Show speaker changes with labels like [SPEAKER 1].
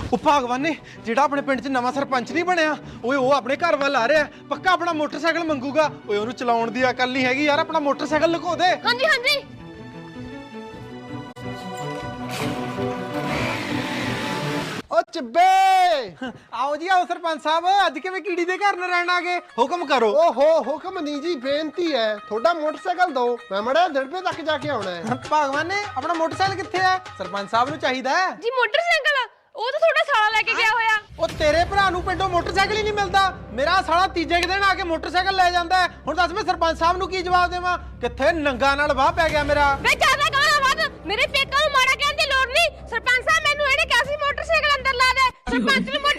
[SPEAKER 1] ਉਹ ਭਗਵਾਨ ਨੇ ਜਿਹੜਾ ਆਪਣੇ ਪਿੰਡ 'ਚ ਨਵਾਂ ਸਰਪੰਚ ਨਹੀਂ ਬਣਿਆ ਓਏ ਉਹ ਆਪਣੇ ਘਰ ਵੱਲ ਆ ਰਿਹਾ ਪੱਕਾ ਆਪਣਾ ਮੋਟਰਸਾਈਕਲ ਮੰਗੂਗਾ ਓਏ ਉਹਨੂੰ ਚਲਾਉਣ ਦੀ ਅਕਲ ਨਹੀਂ ਹੈਗੀ ਯਾਰ ਆਪਣਾ ਮੋਟਰਸਾਈਕਲ ਲੁਕੋ ਦੇ
[SPEAKER 2] ਹਾਂਜੀ ਹਾਂਜੀ
[SPEAKER 1] ਓ ਚਿੱਬੇ ਆਓ ਜੀ ਆਓ ਸਰਪੰਚ ਸਾਹਿਬ ਅੱਜ ਕਿਵੇਂ ਕੀੜੀ ਦੇ ਘਰ ਨਾਲ ਰਹਿਣ ਆ ਗਏ ਹੁਕਮ ਕਰੋ
[SPEAKER 3] ਓਹੋ ਹੁਕਮ ਨਹੀਂ ਜੀ ਬੇਨਤੀ ਹੈ ਤੁਹਾਡਾ ਮੋਟਰਸਾਈਕਲ ਦਿਓ ਮੈਂ ਮੜਾ ਦੜਬੇ ਤੱਕ ਜਾ ਕੇ ਆਉਣਾ ਹੈ
[SPEAKER 1] ਭਗਵਾਨ ਨੇ ਆਪਣਾ ਮੋਟਰਸਾਈਕਲ ਕਿੱਥੇ ਹੈ ਸਰਪੰਚ ਸਾਹਿਬ ਨੂੰ ਚਾਹੀਦਾ ਹੈ
[SPEAKER 2] ਜੀ ਮੋਟਰਸਾਈਕਲ ਉਹ ਤਾਂ ਤੁਹਾਡਾ ਸਾਲਾ ਲੈ ਕੇ ਗਿਆ ਹੋਇਆ
[SPEAKER 1] ਉਹ ਤੇਰੇ ਭਰਾ ਨੂੰ ਪਿੰਡੋਂ ਮੋਟਰਸਾਈਕਲ ਹੀ ਨਹੀਂ ਮਿਲਦਾ ਮੇਰਾ ਸਾਲਾ ਤੀਜੇ ਦਿਨ ਆ ਕੇ ਮੋਟਰਸਾਈਕਲ ਲੈ ਜਾਂਦਾ ਹੁਣ ਦੱਸ ਮੈਂ ਸਰਪੰਚ ਸਾਹਿਬ ਨੂੰ ਕੀ ਜਵਾਬ ਦੇਵਾਂ ਕਿੱਥੇ ਨੰਗਾ ਨਾਲ ਵਾਹ ਪੈ ਗਿਆ ਮੇਰਾ
[SPEAKER 2] ਵੇ ਜ਼ਿਆਦਾ ਗਾਲਾਂ ਵੱਧ ਮੇਰੇ ਪੇਕਾਂ ਨੂੰ ਮਾੜਾ ਕਹਿਣ ਦੀ ਲੋੜ ਨਹੀਂ ਸਰਪੰਚ ਸਾਹਿਬ ਮੈਨੂੰ ਇਹਨੇ ਕਿਹਾ ਸੀ ਮੋਟਰਸਾਈਕਲ ਅੰਦਰ ਲਾ ਦੇ ਸਰਪੰਚ ਨੂੰ